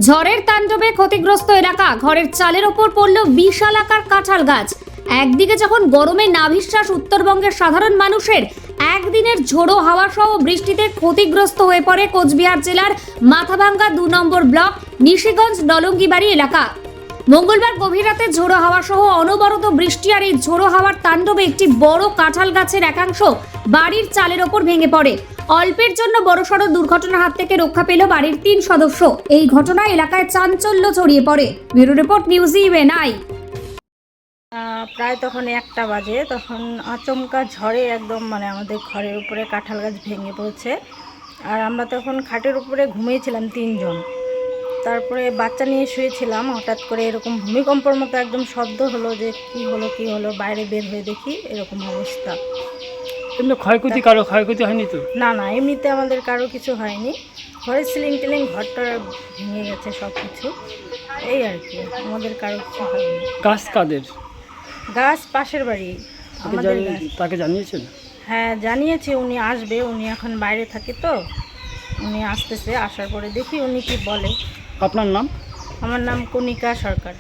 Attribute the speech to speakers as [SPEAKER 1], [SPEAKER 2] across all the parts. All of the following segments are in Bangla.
[SPEAKER 1] ঝড়ের তাণ্ডবে ক্ষতিগ্রস্ত এলাকা, ঘরের চালের ওপর পড়ল বিশাল আকার কাঁঠাল গাছ। একদিকে যখন গরমে নাভিশ্বাস উত্তরবঙ্গের সাধারণ মানুষের, একদিনের ঝোড়ো হাওয়া সহ বৃষ্টিতে ক্ষতিগ্রস্ত হয়ে পড়ে কোচবিহার জেলার মাথাভাঙ্গা 2 নম্বর ব্লক নিশিগঞ্জ ডলঙ্গিবাড়ি এলাকা। মঙ্গলবার গভীর রাতে ঝোড়ো হাওয়া সহ অনবরত বৃষ্টি আর এই ঝোড়ো হাওয়ার তাণ্ডবে একটি বড় কাঁঠাল গাছের একাংশ বাড়ির চালের ওপর ভেঙে পড়ে। অল্পের জন্য বড়সড় দুর্ঘটনার হাত থেকে রক্ষা পেল বাড়ির 3 সদস্য। এই ঘটনায় এলাকায় চাঞ্চল্য ছড়িয়ে পড়ে। ব্যুরো রিপোর্ট নিউজ ইভেনআই।
[SPEAKER 2] প্রায় তখন 1টা বাজে, তখন আচমকা ঝড়ে একদম আমাদের ঘরের উপরে কাঁঠাল গাছ ভেঙে পড়েছে। আর আমরা তখন খাটের উপরে ঘুমিয়েছিলাম 3 জন। তারপরে বাচ্চা নিয়ে শুয়েছিলাম, হঠাৎ করে এরকম ভূমিকম্পের মতো একদম শব্দ হলো, যে কি হলো বাইরে বের হয়ে দেখি এরকম অবস্থা।
[SPEAKER 3] এমনি ক্ষয়ক্ষতি হয়নি তো?
[SPEAKER 2] না, এমনিতে আমাদের কারো কিছু হয়নি। ঘরের সিলিং টিলিং ঘরটা ভেঙে গেছে সব কিছু, এই আর কি, আমাদের কারো কিছু হয়নি।
[SPEAKER 3] গাছ কাদের?
[SPEAKER 2] গাছ পাশের বাড়ি আমাদের গাছ।
[SPEAKER 3] তাকে জানিয়েছেন?
[SPEAKER 2] হ্যাঁ জানিয়েছি, উনি আসবে, উনি এখন বাইরে থাকে তো, উনি আসতেছে, আসার পরে দেখি উনি কি বলে।
[SPEAKER 3] আপনার নাম?
[SPEAKER 2] আমার নাম কণিকা সরকার।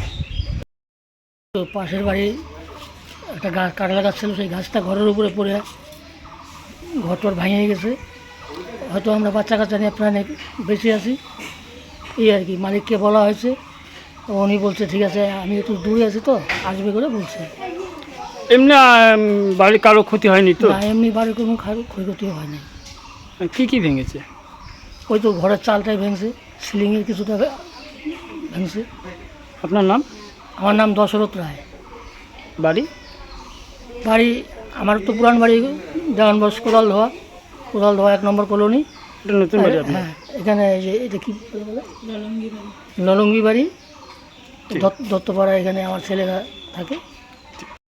[SPEAKER 4] তো পাশের বাড়ি একটা গাছ, কাঁঠাল গাছ ছিল, সেই গাছটা ঘরের উপরে পড়ে ঘরটর ভেঙে গেছে। হয়তো আমরা বাচ্চা কাচ্চা নিয়ে প্রাণে বেঁচে আছি, এই আর কি। মালিককে বলা হয়েছে, তো উনি বলছে ঠিক আছে, আমি একটু দূরে আছি তো আসবে করে বলছে।
[SPEAKER 3] এমনি বাড়ির কারো ক্ষতি হয়নি তো?
[SPEAKER 4] না, এমনি বাড়ির কোনো ক্ষয়ক্ষতি হয়নি।
[SPEAKER 3] কি ভেঙেছে?
[SPEAKER 4] ওই তো ঘরের চালটাই ভেঙছে, সিলিংয়ের কিছুটা ভেঙছে।
[SPEAKER 3] আপনার নাম?
[SPEAKER 4] আমার নাম দশরথ রায়।
[SPEAKER 3] বাড়ি?
[SPEAKER 4] আমার তো পুরান বাড়ি দেওয়ানবস কোদাল ধোয়া 1 নম্বর কলোনি।
[SPEAKER 3] এটা নতুন বাড়ি আপনার?
[SPEAKER 4] হ্যাঁ, এখানে এই যে এটা কি বলে, ললঙ্গি বাড়ি, দত্তপাড়া। এখানে আমার ছেলেরা থাকে।